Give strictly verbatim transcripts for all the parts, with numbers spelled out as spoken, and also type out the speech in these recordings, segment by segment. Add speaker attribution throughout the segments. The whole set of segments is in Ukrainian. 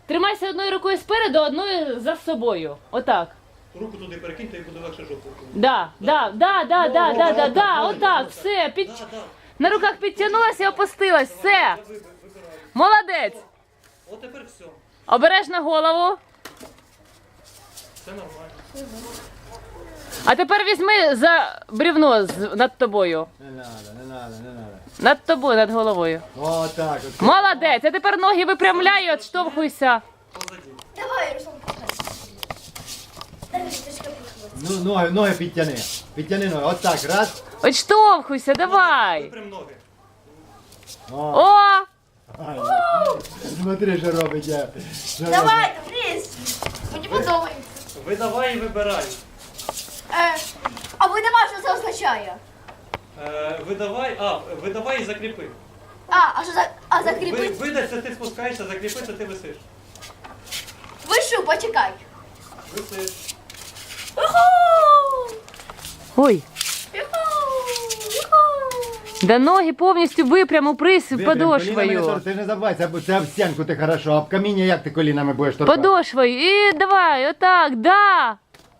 Speaker 1: тримайся одною рукою спереду, одною за собою. Отак.
Speaker 2: Руку туди перекиньте і буде легше жопу.
Speaker 1: Да, да, да, да, да, да, да, да, отак, все, під...
Speaker 2: Да, да.
Speaker 1: на руках підтягнулася і опустилась, все.
Speaker 2: Ви- ви- вибираю.
Speaker 1: Молодець.
Speaker 2: От тепер все.
Speaker 1: Обережно голову.
Speaker 2: Все нормально.
Speaker 1: А тепер візьми за брівно з- над тобою.
Speaker 3: Не надо, не надо, не надо.
Speaker 1: Над тобою, над головою.
Speaker 3: О, так от.
Speaker 1: Молодець, а тепер ноги випрямляй і відштовхуйся.
Speaker 2: Позаді.
Speaker 4: Давай, Руслан, пускай. Дай мені трішки похватити.
Speaker 3: Ну, ноги, ноги підтяни. Підтяни ноги. От так, раз.
Speaker 1: Відштовхуйся, давай.
Speaker 2: Випрям ноги.
Speaker 3: О,
Speaker 1: О,
Speaker 3: ай. Смотри, що робить я. Що робить.
Speaker 4: Давай, вниз. Мені подобається.
Speaker 2: Видавай і вибирай.
Speaker 4: Е, а ви не що це означає?
Speaker 2: Е, видавай, а, видавай і закріпи.
Speaker 4: А, а що за... А
Speaker 2: Ви,
Speaker 4: закріпити?
Speaker 2: видай, це ти спускаєшся, закріпи, це ти висиш.
Speaker 4: Вишу, почекай.
Speaker 2: Висиш.
Speaker 4: Уху!
Speaker 1: ой,
Speaker 4: Юху! Юху!
Speaker 1: да ноги повністю випрям, упрись
Speaker 3: Випрям, колінами не
Speaker 1: подошвою.
Speaker 3: тор- Ти ж не забувай, це, це об стінку ти хорошо, а об каміння як ти колінами будеш торкати?
Speaker 1: Подошвою. І давай, отак, да.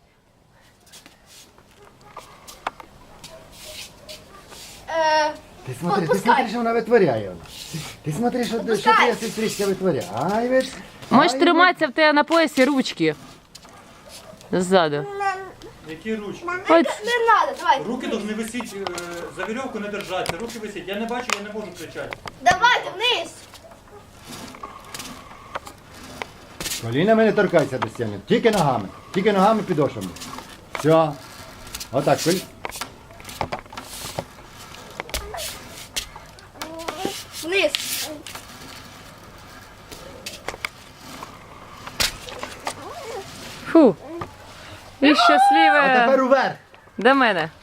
Speaker 4: Е,
Speaker 3: Ти смотри, ти
Speaker 4: Отпускай.
Speaker 3: смотри, що вона витворяє. Ти смотри, що, що
Speaker 4: Отпускай.
Speaker 3: твоя сестричка витворяє. Ай, ви ж-
Speaker 1: Можеш
Speaker 3: ай, ви-
Speaker 1: триматися в тебе на поясі ручки. Ззаду.
Speaker 2: Які ручки?
Speaker 4: не,
Speaker 1: Ось.
Speaker 4: не надо, давай.
Speaker 2: Руки повинні висіти, е, за вірьовку не держатися, руки висять. Я не бачу, я не можу кричати.
Speaker 4: Давайте вниз.
Speaker 3: Колінами не торкайся до стіни, тільки ногами. Тільки ногами підошвами. Все. Отак, колі...
Speaker 4: Вниз.
Speaker 1: Фу. І
Speaker 3: А
Speaker 1: щасливе
Speaker 3: тепер уверх.
Speaker 1: до мене.